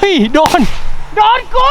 ฮ้ยโดนกู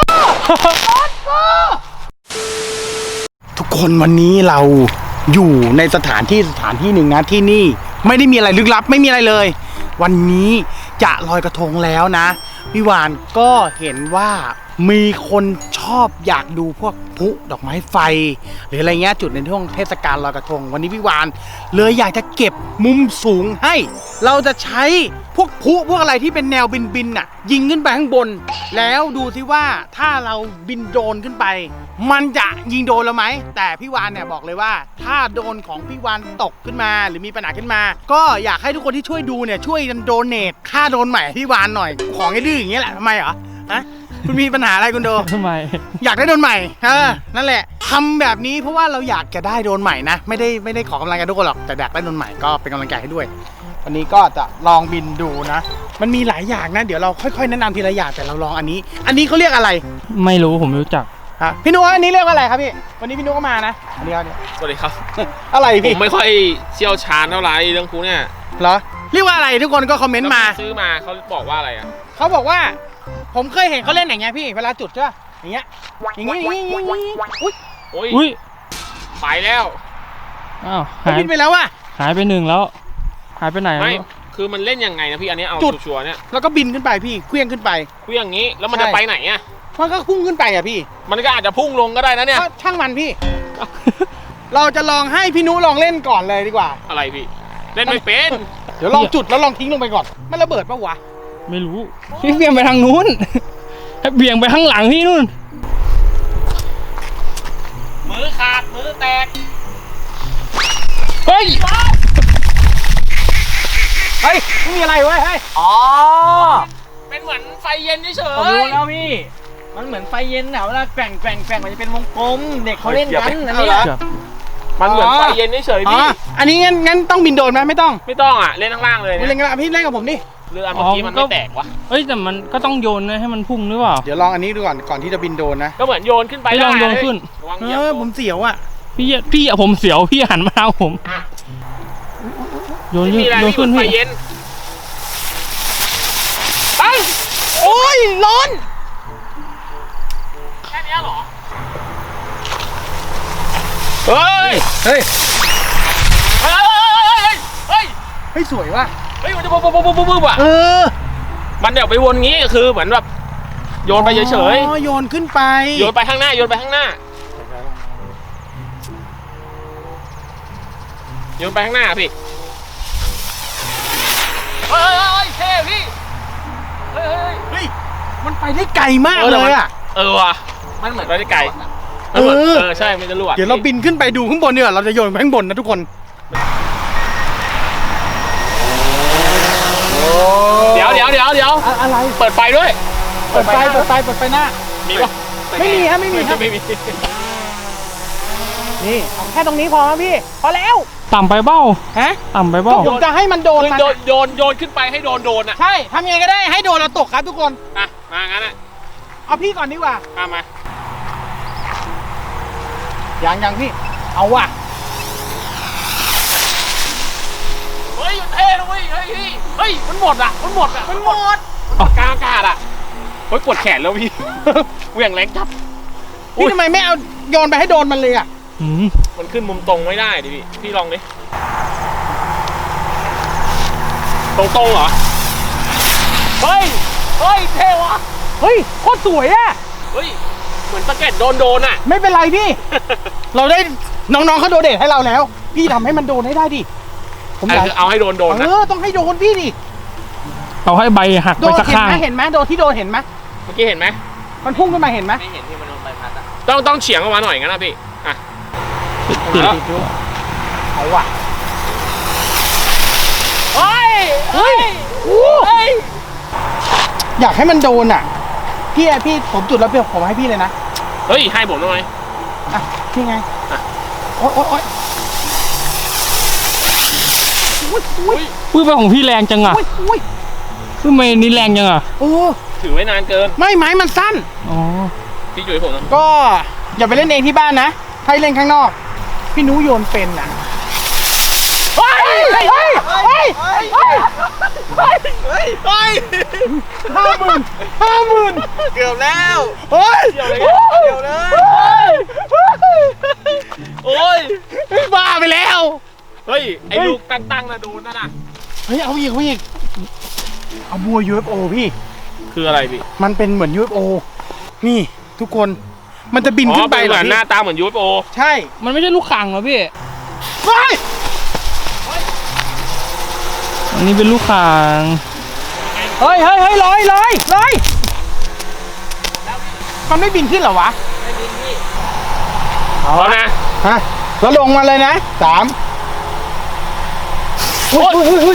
ทุกคนวันนี้เราอยู่ในสถานที่หนึ่งนะที่นี่ไม่ได้มีอะไรลึกลับไม่มีอะไรเลยวันนี้จะลอยกระทงแล้วนะพี่วานก็เห็นว่ามีคนชอบอยากดูพวกพลุดอกไม้ไฟหรืออะไรเงี้ยจุดในช่วงเทศกาลลอยกระทงวันนี้พี่วานเลยอยากจะเก็บมุมสูงให้เราจะใช้พวกพลุพวกอะไรที่เป็นแนวบินน่ะยิงขึ้นไปข้างบนแล้วดูซิว่าถ้าเราบินโดรนขึ้นไปมันจะยิงโดนเราไหมแต่พี่วานเนี่ยบอกเลยว่าถ้าโดนของพี่วานตกขึ้นมาหรือมีปัญหาขึ้นมาก็อยากให้ทุกคนที่ช่วยดูเนี่ยช่วยกันโดเนทค่าโดนใหม่พี่วานหน่อยของไอ้ดื้ออย่างเงี้ยแหละทำไมเหรอฮะคุณมีปัญหาอะไรคุณโดทำไมอยากได้โดนใหม่นั่นแหละทำแบบนี้เพราะว่าเราอยากจะได้โดนใหม่นะไม่ได้ขอกำลังใจทุกคนหรอกแต่อยากได้โดนใหม่ก็เป็นกำลังใจให้ด้วยวันนี้ก็จะลองบินดูนะมันมีหลายอย่างนะเดี๋ยวเราค่อยๆแนะนำทีละอย่างแต่เราลองอันนี้เขาเรียกอะไรไม่รู้ผมไม่รู้จักพี่นุ๊กอันนี้เรียกว่าอะไรครับพี่วันนี้พี่นุ๊กก็มานะอันนี้สวัสดีครับอะไรพี่ผมไม่ค่อยเชี่ยวชาญเท่าไหร่เรื่องพวกเนี่ยเหรอเรียกว่าอะไรทุกคนก็คอมเมนต์มาซื้อมาเขาบอกว่าอะไรอ่ะเขาบอกว่าผมเคยเห็นเขาเล่นอย่างเงี้ยพี่เวลาจุดใช่ป่ะอย่างเงี้ยอุ้ยไปแล้วอ้าวหายไปแล้วว่ะหายไป1แล้วหายไปไหนไม่คือมันเล่นยังไงนะพี่อันนี้เอาชัวร์เนี่ยแล้วก็บินขึ้นไปพี่เคลื่อนขึ้นไปเคลื่อนอย่างนี้แล้วมันจะไปไหนอ่ะมันก็พุ่งขึ้นไปอ่ะพี่มันก็อาจจะพุ่งลงก็ได้นะเนี่ยช่างมันพี่ เราจะลองให้พี่นุลองเล่นก่อนเลยดีกว่าอะไรพี่เล่นไม่เป็นเดี๋ยวลองจุดแล้วลองทิ้งลงไปก่อนมันระเบิดปะวะไม่รู้พี่เบี่ยงไปทางนู้นให้เบี่ยงไปข้างหลังพี่นู่นมือขาดมือแตกเฮ้ยไม่มีอะไรเว้ยอ๋อเป็นเหมือนไฟเย็นเฉยผมรู้แล้วพี่มันเหมือนไฟเย็นนะเวลาแกว่งมันจะเป็นวงกลมเด็กเขาเล่นกันอันนี้มันเหมือนไฟเย็นเฉยพี่อันนี้งั้นต้องบินโดรนไหมไม่ต้องอ่ะเล่นข้างล่างเลยเล่นกันพี่เล่นกับผมดิเรือเมื่อกี้มันไม่แตกวะเฮ้ยแต่มันก็ต้องโยนนะให้มันพุ่งหรือเปล่าเดี๋ยวลองอันนี้ดูก่อนที่จะบินโดรนนะก็เหมือนโยนขึ้นไปลองโยนขึ้นผมเสียวอ่ะพี่ผมเสียวพี่หันมาทางผมโยนขึ้นไฟเย็นโอ้ยร้อนแค่นี้เหรอเฮ้ยสวยว่ะเฮ้ยมันจะปุ๊บอ่ะมันเดี๋ยวไปวนงี้คือเหมือนแบบโยนไปเฉยโยนขึ้นไปโยนไปข้างหน้าโยนไปข้างหน้าพี่เฮ้ยเท่พี่เฮ้ยมันไปได้ไกลมากเลยอ่ะว่ะมันเหมือนไปได้ไกลใช่มันจะรั่วเดี๋ยวเราบินขึ้นไปดูข้างบนเนี่ยเราจะโยนไปข้างบนนะทุกคนเดี๋ยวอะไรเปิดไฟด้วยเปิดไฟหน้ามีปะไม่มีครับนี่แค่ตรงนี้พอแล้วพี่พอแล้วต่ำไปเบ้าต่ำไปเบ้าผมจะให้มันโดนโยนขึ้นไปให้โดนอ่ะใช่ทำยังไงก็ได้ให้โดนเราตกครับทุกคนมางั้นอ่ะเอาพี่ก่อนดีกว่ามายังพี่เอาว่ะเฮ้ยเท่เลยเฮ้ยมันหมดกลางอากาศอ่ะเฮ้ยปวดแขนแล้วพี่เหวี่ยงแรงจับพี่ทำไมไม่เอาโยนไปให้โดนมันเลยอ่ะมันขึ้นมุมตรงไม่ได้ดิพี่ลองดิตรงเหรอเฮ้ยเท่ว่ะเฮ้ยโคตรสวยอ่ะเฮ้ยเหมือนสะเก็ดโดนอ่ะไม่เป็นไรพี่ เราได้น้องๆเขาโดเดทให้เราแล้วพี่ทำให้มันโดนให้ได้ดิผมอยากเอาให้โดนนะต้องให้โดนพี่ดิเอาให้ใบหักไปสักข้างเห็นไหมโดนที่โดนเห็นไหมเมื่อกี้เห็นไหมมันพุ่งขึ้นมาเห็นไหมไม่เห็นที่มันโดนใบพัดอ่ะต้องเฉียงออกมาหน่อยงั้นนะพี่เอาว่ะเฮ้ยอยากให้มันโดนอ่ะพี่ผมจุดแล้วผมให้พี่เลยนะเฮ้ยให้ผมหน่อยนี่ไงโอ๊ยปื้มไปของพี่แรงจังอ่ะปื้มไม่นี่แรงจังอ่ะถือไว้นานเกินไม่ไม้มันสั้นพี่จุ๋ยผมนะก็อย่าไปเล่นเองที่บ้านนะให้เล่นข้างนอกพี่นุ้ยโยนเป็นอ่ะเฮ้ย 50,000 เกือบแล้วเฮ้ยเดี๋ยวเลยโอ้ยบ้าไปแล้วเฮ้ยไอ้ลูกตั้งๆนะโดนนั่นน่ะเฮ้ยเอาอีกเอาบัว UFO พี่คืออะไรพี่มันเป็นเหมือน UFO นี่ทุกคนมันจะบินขึ้นไปเหเหรมืออนหพี่น้าตาเหมือน UFO ใช่มันไม่ใช่ลูกข่างเหรอพี่เฮ้ยอันนี้เป็นลูกข่างเฮ้ยลอยมันไม่บินขึ้นเหรอวะไม่บินพี่เอานะฮะแล้วลงมาเลยนะ3อุ้ย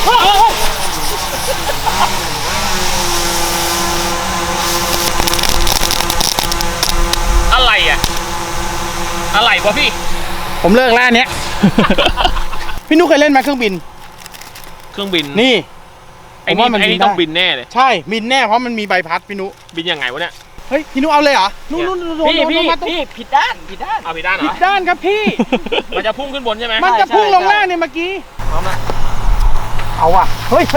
อะไรอ่ะ อะไรวะพี่ผมเลิกแล้วอันเนี้ย พี่นุ๊กเคยเล่นไหมเครื่องบินเครื่องบินนี่ไอ้ผมว่ามันนี่บินได้ต้องบินแน่เลยใช่บินแน่เพราะมันมีใบพัดพี่นุบินยังไงวะเนี่ยเฮ้ยพี่นุเอาเลยเหรอนู่นโดนพี่มาตรงผิดด้านเอาไปด้านเหรผิอดด้านครับพี่มันจะพุ่งขึ้นบนใช่ไหมมันจะพุ่งลงล่างเนี่ยเมื่อกี้พร้อมละเอาว่ะเฮ้ย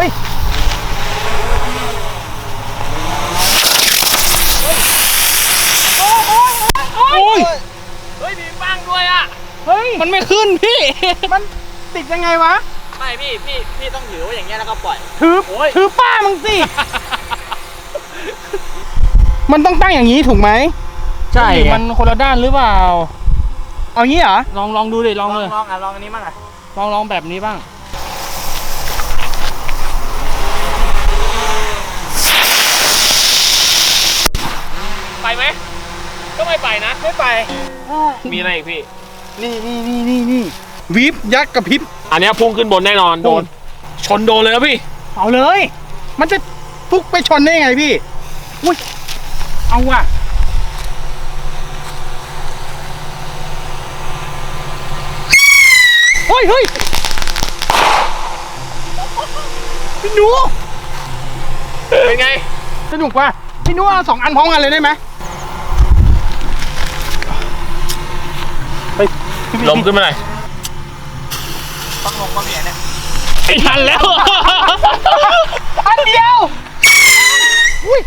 โอ้ยเฮ้ยมีบ้างด้วยอ่ะเฮ้ยมันไม่ขึ้นพี่มันติดยังไงวะไม่พี่ต้องถือไว้อย่างเงี้ยแล้วก็ปล่อยถือป้ามึงสิ มันต้องตั้งอย่างนี้ถูกไหมใช่มันคนละด้านหรือเปล่าเอางี้เหรอลองดูดิลองเลยลองอันนี้มั่งอ่ะลองแบบนี้บ้างไปไหมก็ไม่ไปนะไม่ไปมีอะไรอีกพี่นี่วิบยักษ์กับพริบอันเนี้ยพุ่งขึ้นบนแน่นอนโดน ชนโดนเลยนะพี่เอาเลย มันจะฟุกไปชนได้ยังไงพี่ อุ้ย เอาว่ะ เฮ้ยพี่หนูเป็นไงสนุกว่ะพี่หนูเอา2 อันพร้อมกันเลยได้ไหมไปลมขึ้นมาหน่อยต้องลงมาเปลี่ยนเนี่ยไอ้ทันแล้วอันเดียว อุ้ย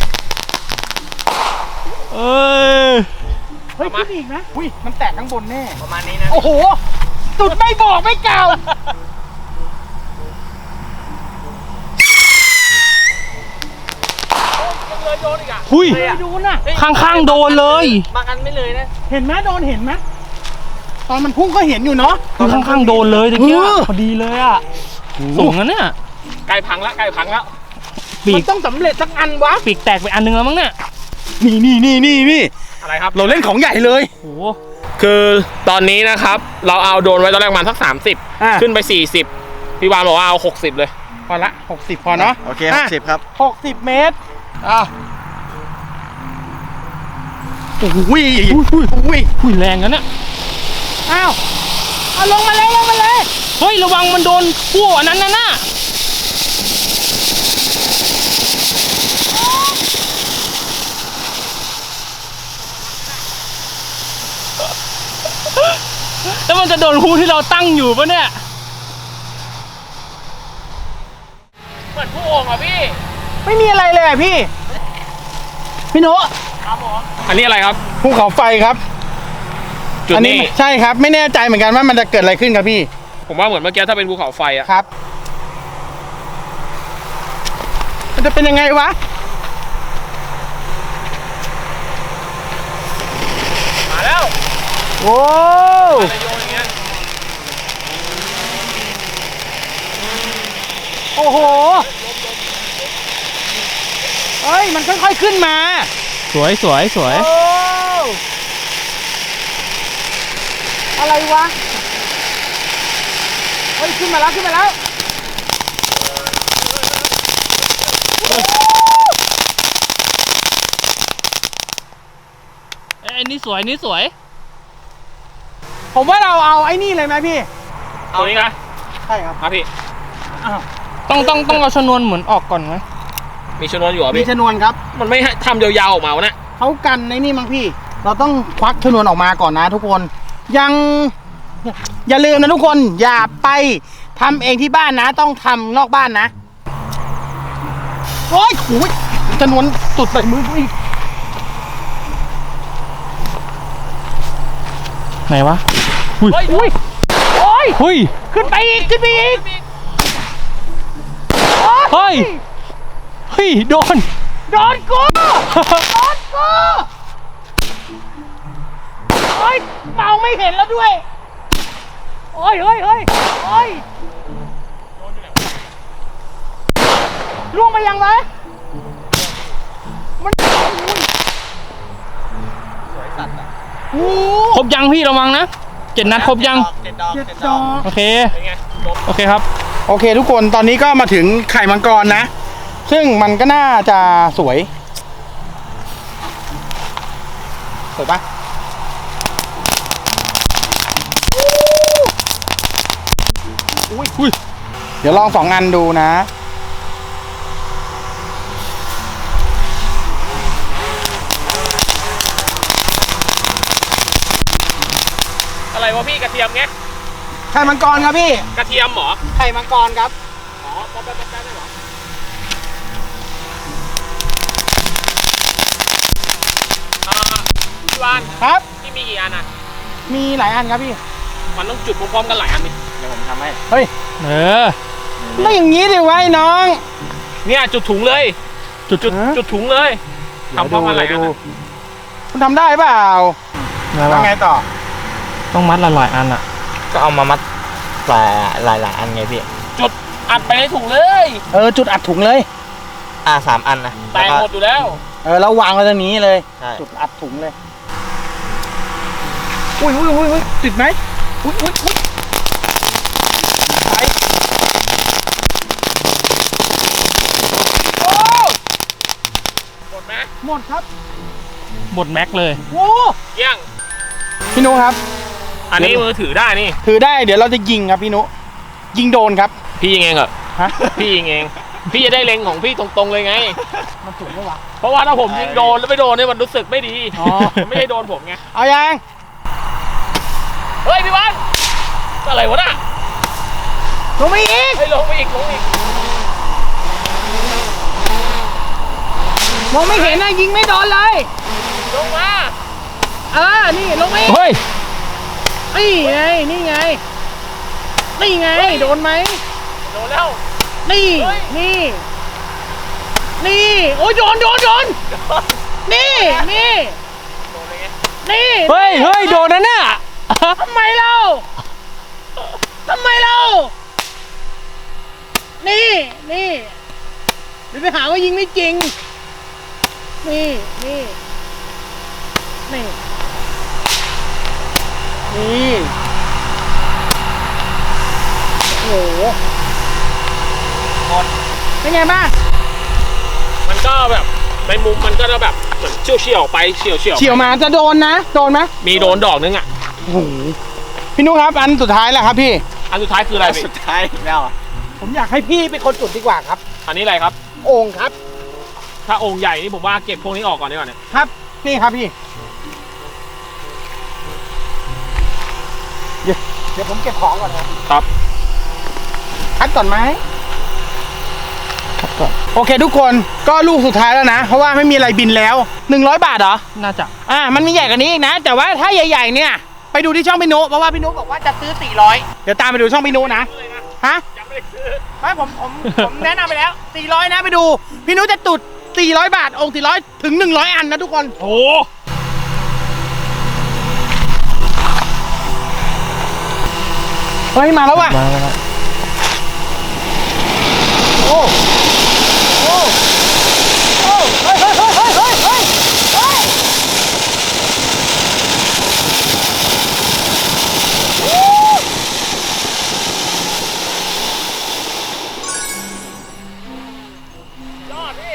เอ้ยเฮ้ยขึ้นอีกนะอุ้ย มันแตกข้างบนแน่ประมาณนี้นะโอ้โห สุดไม่บอกไม่กล่าวหุยเลยอ่ะดูน่ะข้างๆโดนเลยบางอันไม่เลยนะเห็นไหมโดนเห็นไหมตอนมันพุ่งก็เห็นอยู่เนาะคือข้างๆโดนเลยตะเกียเออพอดีเลยอ่ะสูงนะเนี่ยใกล้พังแล้วปีมันกต้องสำเร็จสักอันวะปีกแตกไปอันนึงแล้วมั้งเนี่ยนี่อะไรครับเราเล่นของใหญ่เลยโอ้คือตอนนี้นะครับ เราเอาโดรนไว้ตอนแรกประมาณสักอ่ะ 30 ขึ้นไป 40 พี่วานบอกว่าเอา 60 เลยพอละ 60 พอเนาะโอเคะ 60ครับ 60 เมตรโอ้โหอุ้ยหุยแรงนะเนี่ยอ้าวเอาลงมาเลยเฮ้ยระวังมันโดนกู้อันนั้นน่ะแล้วมันจะโดนคู่ที่เราตั้งอยู่ปะเนี่ยเหมือนผู้โอ่งอ่ะพี่ไม่มีอะไรเลยอ่ะพี่โนอันนี้อะไรครับภูเขาไฟครับจุดอันี้ใช่ครับ ไม่แน่ใจเหมือนกันว่ามันจะเกิดอะไรขึ้นครับพี่ผมว่าเหมือนเมื่อกี้ถ้าเป็นภูเขาไฟอ่ะครับ มันจะเป็นยังไงวะมาแล้วโอ้อะไรโยนอย่างเงี้ยโอ้โห เฮ้ย มันค่อยๆขึ้นมาสวยโอ้อะไรวะ เฮ้ย ขึ้นมาแล้วเอ้ยนี่สวยผมว่าเราเอาไอ้นี่เลยไหมพี่ตัวนี้นะใช่ครับมาพี่ต้องเอาชนวนเหมือนออกก่อนไหมมีชนวนอยู่อ่ะมีพี่ชนวนครับมันไม่ให้ทำยาวๆออกมาวะเนี่ยเขากันในนี่มั้งพี่ เราต้องควักชนวนออกมาก่อนนะทุกคน อย่าลืมนะทุกคน อย่าไปทำเองที่บ้านนะ ต้องทำนอกบ้านนะโอ้ยโอ้ยจนวนตุดใส่มือกูอีกไหนวะอุ้ยอุ้ยโอ้ยเฮ้ยขึ้นไปอีกขึ้นไปอีกเฮ้ยเฮ้ยโดนโดนกูโดนกูโอ้ยเมาไม่เห็นแล้วด้วยโอ้ยเฮ้ยเฮ้ยโอ้ยล่วงไปยังไงมันโอ้ครบยังพี่ระวังนะ7 นัดครบยังเจ็ดดอกโอเคเป็นไงจบโอเคครับโอเคทุกคนตอนนี้ก็มาถึงไข่มังกรนะ ซึ่งมันก็น่าจะสวยสวยปะอุ้ยเดี๋ยวลอง2 อันดูนะอะไรวะพี่กระเทียมไงไข่มังกรครับพี่กระเทียมเหรอไข่มังกรครับอ๋อป๊อปได้เหรอพี่วานครับพี่มีกี่อันอ่ะมีหลายอันครับพี่มันต้องจุดพร้อมๆกันหลายอันนี่เดี๋ยวผมทำให้เฮ้ยเออไม่อย่างนี้ดิวะไอ้น้องเนี่ยจุดถุงเลย จุดถุงเลยทำพร้อมกันหลายอันอะคุณทำได้เปล่าแล้วแล้วไงต่อต้องมัดหลายๆอันอ่ะก็เอามามัดหลายอันไงพี่จุดอัดไปในถุงเลยจุดอัดถุงเลย 3 อันนะแตกหมดอยู่แล้วแล้ววางไว้ตรงนี้เลยใช่จุดอัดถุงเลย อุ้ยติดไหมอุ้ยไปโอ้หมดไหมหมดครับหมดแม็กเลยโอ้เยี่ยงพี่นุครับอันนี้มือถือได้นี่ถือได้เดี๋ยวเราจะยิงครับพี่นุ ยิงโดนครับพี่ยิงเองเหรอฮะพี่ยิงเอง พี่จะได้เล็งของพี่ตรงๆเลยไงมันถูกไหมวะเพราะว่าถ้าผมยิงโดนแล้วไม่โดนเนี่ยมันรู้สึกไม่ดีอ๋อมันไม่ใช่โดนผมไงเอายังเฮ้ยพี่วันอะไรวะน่ะลงไปอีกเฮ้ยลงไปอีกลงอีกมองไม่เห็นนะยิงไม่โดนเลยลงมานี่ลงไปอีกเฮ้ยนี่ไง โดนไหมโดนแล้วนี่เฮ้ยนี่ โอ้ยโดน นี่โดนเลยไงนี่เฮ้ยโดนนะเนี่ยทำไมเรา นี่เดี๋ยวไปหาว่ายิงไม่จริง นี่ โอ้โหเป็นไงบ้างมันก็แบบในมุมมันก็จะแบบเหมือนเฉียวไปเฉียวเฉียวมาจะโดนนะ โดนไหมมีโดนดอกนึงอ่ะโอ้โหพี่นุครับอันสุดท้ายแล้วครับพี่อันสุดท้ายคืออะไรพี่สุดท้ายแล้วผมอยากให้พี่เป็นคนจุดดีกว่าครับอันนี้อะไรครับโอ่งครับถ้าองค์ใหญ่นี่ผมว่าเก็บพวกนี้ออกก่อนดีกว่าเนี่ยครับ นี่ครับพี่ เดี๋ยวผมเก็บของก่อนนะครับ คัดก่อนไหมคัดก่อน โอเคทุกคนก็ลูกสุดท้ายแล้วนะ เพราะว่าไม่มีอะไรบินแล้ว100 บาทเหรอน่าจะมันมีใหญ่กว่านี้อีกนะ แต่ว่าถ้าใหญ่ๆเนี่ยไปดูที่ช่องพี่นุเพราะว่าพี่นุบอกว่าจะซื้อ400เดี๋ยวตามไปดูช่องพี่นุนะฮะยังไม่ได้ซื้อไม่ผมแนะนำไปแล้ว400นะไปดูพี่นุจะตุด400 บาทองค์400ถึง100 อันนะทุกคนโอ้เฮ้ยมาแล้วว่ะมาแล้วโอ้โอ้โอ้เฮ้ยยอดพี่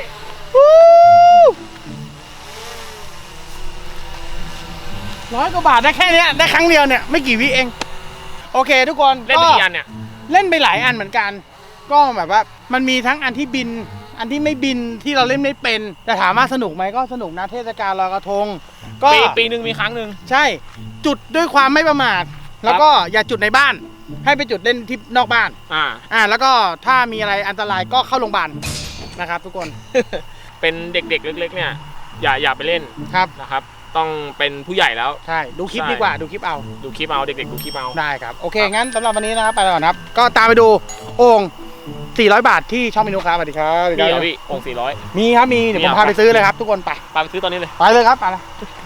100 กว่าบาทได้แค่เนี้ยได้ครั้งเดียวเนี่ยไม่กี่วิเอง โอเคทุกคนเล่นไปกี่อันเนี่ยเล่นไปหลายอันเหมือนกัน ก็แบบว่ามันมีทั้งอันที่บิน อันที่ไม่บินที่เราเล่นไม่เป็นแต่ถามว่าสนุกไหมก็สนุกนะเทศกาลลอยกระทงก็ปีหนึ่งมีครั้งหนึ่งใช่จุดด้วยความไม่ประมาทแล้วก็อย่าจุดในบ้าน ให้ไปจุดเล่นที่นอกบ้านอ่าแล้วก็ถ้ามีอะไรอันตรายก็เข้าโรงพยาบาลนะครับ ทุกคนเป็นเด็กๆเล็กๆเนี่ยอย่าไปเล่นครับนะครับ ต้องเป็นผู้ใหญ่แล้วใช่ดูคลิปใช่ดีกว่าดูคลิปเอาดูคลิปเอาเด็กๆดูคลิปเอาได้ครับโอเคงั้นสำหรับวันนี้นะครับไปก่อนครับก็ตามไปดูโอ่ง400 บาทที่ช่องเมนูครับสวัสดีครับมีเหรอพี่องค์400 มีครับมีเดี๋ยวผมพาไปซื้อเลยครับทุกคนไปปาไปซื้อตอนนี้เลยไปเลยครับไปเลย